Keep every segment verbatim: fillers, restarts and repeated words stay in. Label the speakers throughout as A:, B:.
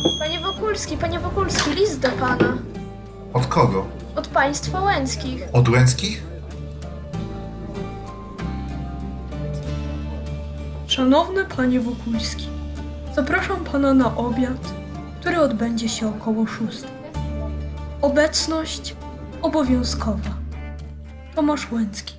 A: Panie Wokulski, panie Wokulski, list do pana.
B: Od kogo?
A: Od państwa Łęckich.
B: Od Łęckich?
C: Szanowny panie Wokulski, zapraszam pana na obiad, który odbędzie się około szóstej. Obecność obowiązkowa. Tomasz Łęcki.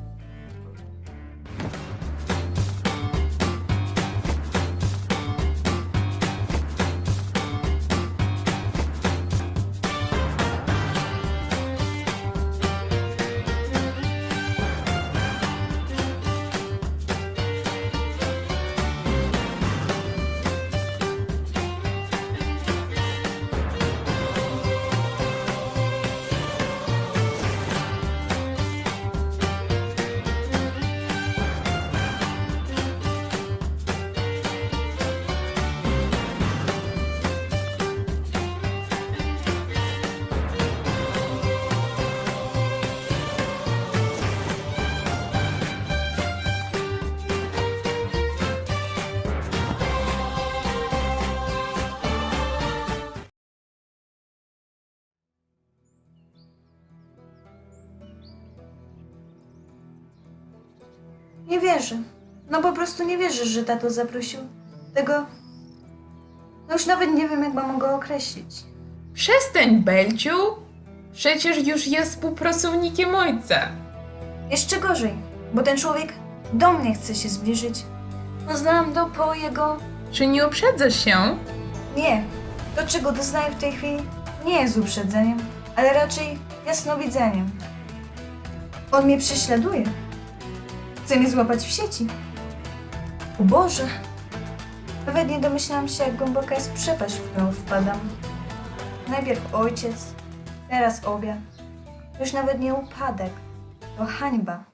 D: Nie wierzę. No po prostu nie wierzę, że tato zaprosił tego... No już nawet nie wiem, jak mam go określić.
E: Przestań, Belciu! Przecież już jest współpracownikiem ojca.
D: Jeszcze gorzej, bo ten człowiek do mnie chce się zbliżyć. Poznałam go po jego...
E: Czy nie uprzedzasz się?
D: Nie. To, czego doznaję w tej chwili, nie jest uprzedzeniem, ale raczej jasnowidzeniem. On mnie prześladuje. Chce mnie złapać w sieci. O Boże! Nawet nie domyślałam się, jak głęboka jest przepaść, w którą wpadam. Najpierw ojciec, teraz obiad. Już nawet nie upadek, to hańba.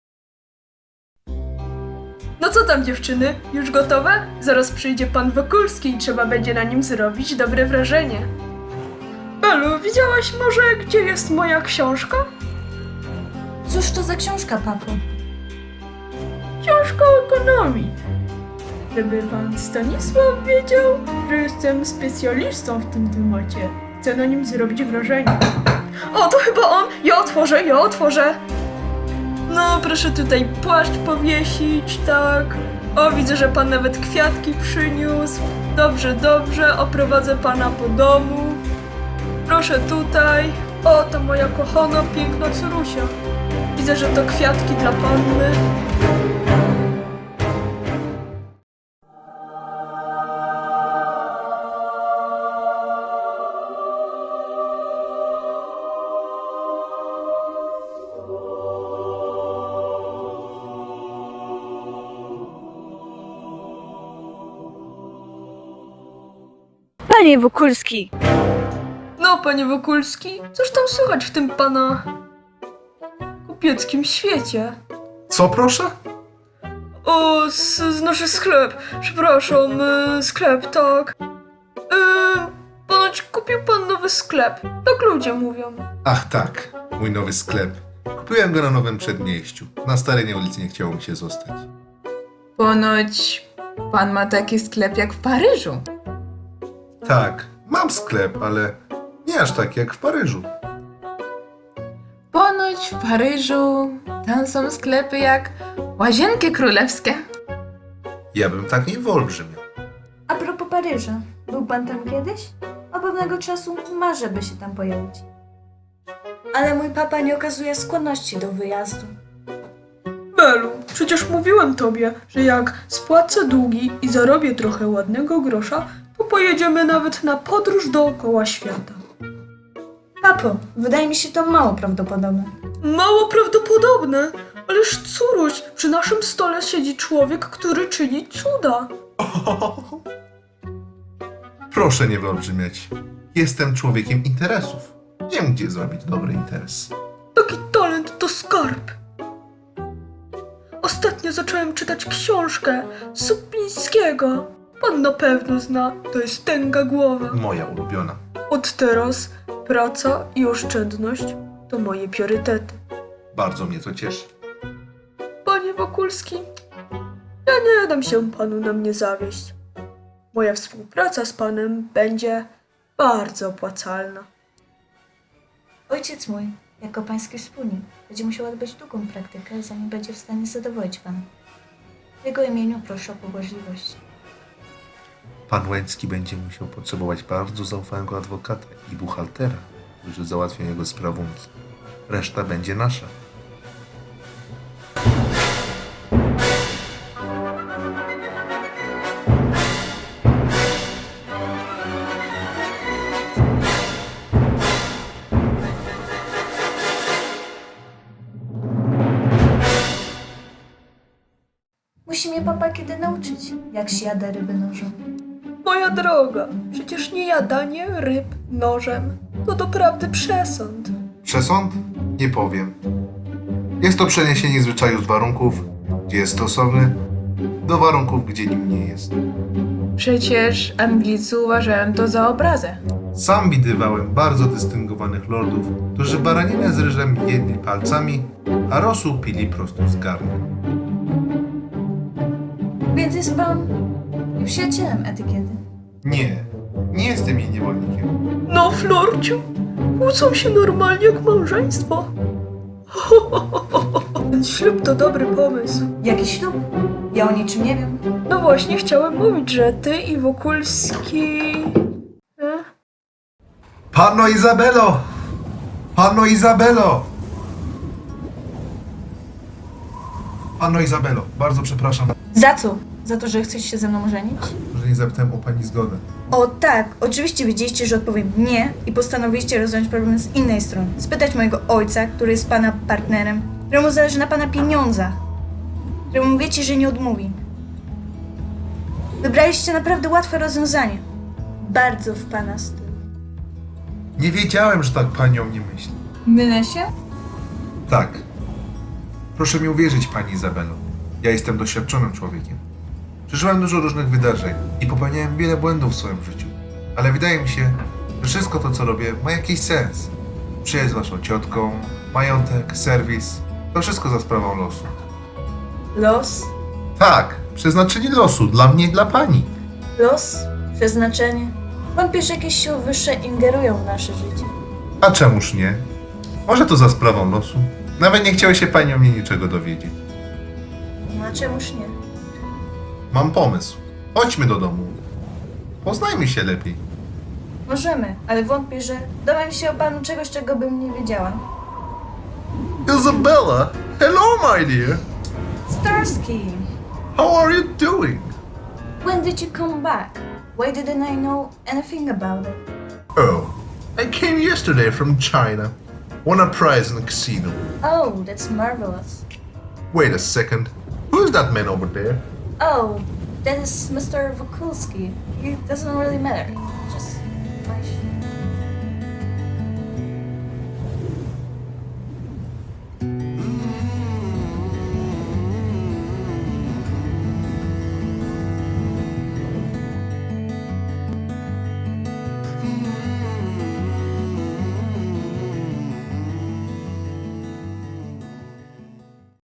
C: No co tam dziewczyny? Już gotowe? Zaraz przyjdzie pan Wokulski i trzeba będzie na nim zrobić dobre wrażenie. Belu, widziałaś może, gdzie jest moja książka?
D: Cóż to za książka, papo?
C: Książka o ekonomii. Żeby pan Stanisław wiedział, że jestem specjalistą w tym temacie. Chcę na nim zrobić wrażenie. O, to chyba on! Ja otworzę, ja otworzę! No, proszę tutaj płaszcz powiesić, tak. O, widzę, że pan nawet kwiatki przyniósł. Dobrze, dobrze, oprowadzę pana po domu. Proszę tutaj. O, to moja kochana, piękna córusia. Widzę, że to kwiatki dla panny.
D: Panie Wokulski!
C: No, panie Wokulski, cóż tam słychać w tym pana kupieckim świecie?
B: Co proszę?
C: O, z, znaczy sklep, przepraszam, y, sklep, tak. Yy, ponoć kupił pan nowy sklep, tak ludzie mówią.
B: Ach tak, mój nowy sklep. Kupiłem go na Nowym Przedmieściu. Na Starej ulicy nie chciało mi się zostać.
E: Ponoć pan ma taki sklep jak w Paryżu.
B: Tak, mam sklep, ale nie aż tak jak w Paryżu.
E: Ponoć w Paryżu tam są sklepy jak Łazienki Królewskie.
B: Ja bym tak nie wyolbrzymiał.
D: A propos Paryża, był pan tam kiedyś? Od pewnego czasu marzę, by się tam pojawić. Ale mój papa nie okazuje skłonności do wyjazdu.
C: Belu, przecież mówiłem tobie, że jak spłacę długi i zarobię trochę ładnego grosza, to pojedziemy nawet na podróż dookoła świata.
D: Papo, wydaje mi się to mało prawdopodobne.
C: Mało prawdopodobne, ależ córuś, przy naszym stole siedzi człowiek, który czyni cuda.
B: Proszę nie wyolbrzymiać. Jestem człowiekiem interesów. Wiem, gdzie zrobić dobry interes.
C: Taki talent to skarb. Ostatnio zacząłem czytać książkę Supińskiego. Pan na pewno zna, to jest tęga głowa.
B: Moja ulubiona.
C: Od teraz praca i oszczędność to moje priorytety.
B: Bardzo mnie to cieszy.
C: Panie Wokulski, ja nie dam się panu na mnie zawieść. Moja współpraca z panem będzie bardzo opłacalna.
D: Ojciec mój, jako pański wspólnik, będzie musiał odbyć długą praktykę, zanim będzie w stanie zadowolić pana. W jego imieniu proszę o pobłażliwość.
B: Pan Łęcki będzie musiał potrzebować bardzo zaufanego adwokata i buchaltera, którzy załatwią jego sprawunki. Reszta będzie nasza.
D: Musi mnie papa kiedy nauczyć, jak się jada ryby nożem.
C: Moja droga, przecież nie jadanie ryb nożem to doprawdy przesąd.
B: Przesąd? Nie powiem. Jest to przeniesienie zwyczaju z warunków, gdzie jest stosowny, do warunków, gdzie nim nie jest.
E: Przecież Anglicy uważają to za obrazę.
B: Sam widywałem bardzo dystyngowanych lordów, którzy baraninę z ryżem jedli palcami, a rosół pili prosto z garnka.
D: Więc jest pan przyjacielem etykiety.
B: Nie, nie jestem jej niewolnikiem.
C: No, Florciu, kłócą się normalnie jak małżeństwo. Ten ślub to dobry pomysł.
D: Jaki ślub? Ja o niczym nie wiem.
C: No właśnie, chciałem mówić, że ty i Wokulski... E?
B: Panno Izabelo! Panno Izabelo! Panno Izabelo, bardzo przepraszam,
D: Za co? Za to, że chcesz się ze mną żenić?
B: że nie zapytałem o pani zgodę.
D: O tak, oczywiście wiedzieliście, że odpowiem nie i postanowiliście rozwiązać problem z innej strony. Spytać mojego ojca, który jest pana partnerem, któremu zależy na pana pieniądzach, któremu wiecie, że nie odmówi. Wybraliście naprawdę łatwe rozwiązanie. Bardzo w pana stylu.
B: Nie wiedziałem, że tak pani o mnie myśli.
D: Mylę się?
B: Tak. Proszę mi uwierzyć, pani Izabelo. Ja jestem doświadczonym człowiekiem. Przeżyłem dużo różnych wydarzeń i popełniałem wiele błędów w swoim życiu. Ale wydaje mi się, że wszystko to, co robię, ma jakiś sens. Przyjaźń z waszą ciotką, majątek, serwis. To wszystko za sprawą losu.
D: Los?
B: Tak, przeznaczenie losu dla mnie i dla pani.
D: Los? Przeznaczenie? Wątpię, że jakieś siły wyższe ingerują w nasze życie.
B: A czemuż nie? Może to za sprawą losu? Nawet nie chciały się pani o mnie niczego dowiedzieć.
D: No a czemuż nie?
B: Mam pomysł. Chodźmy do domu. Poznajmy się lepiej.
D: Możemy, ale wątpię, że dowiem się o panu czegoś, czego bym nie wiedziała.
B: Isabella! Hello, my dear!
D: Starsky!
B: How are you doing?
D: When did you come back? Why didn't I know anything about it?
B: Oh, I came yesterday from China. Won a prize in a casino.
D: Oh, that's marvelous.
B: Wait a second. Who's that man over there?
D: Oh, that is Mister Wokulski. It doesn't really matter. Just...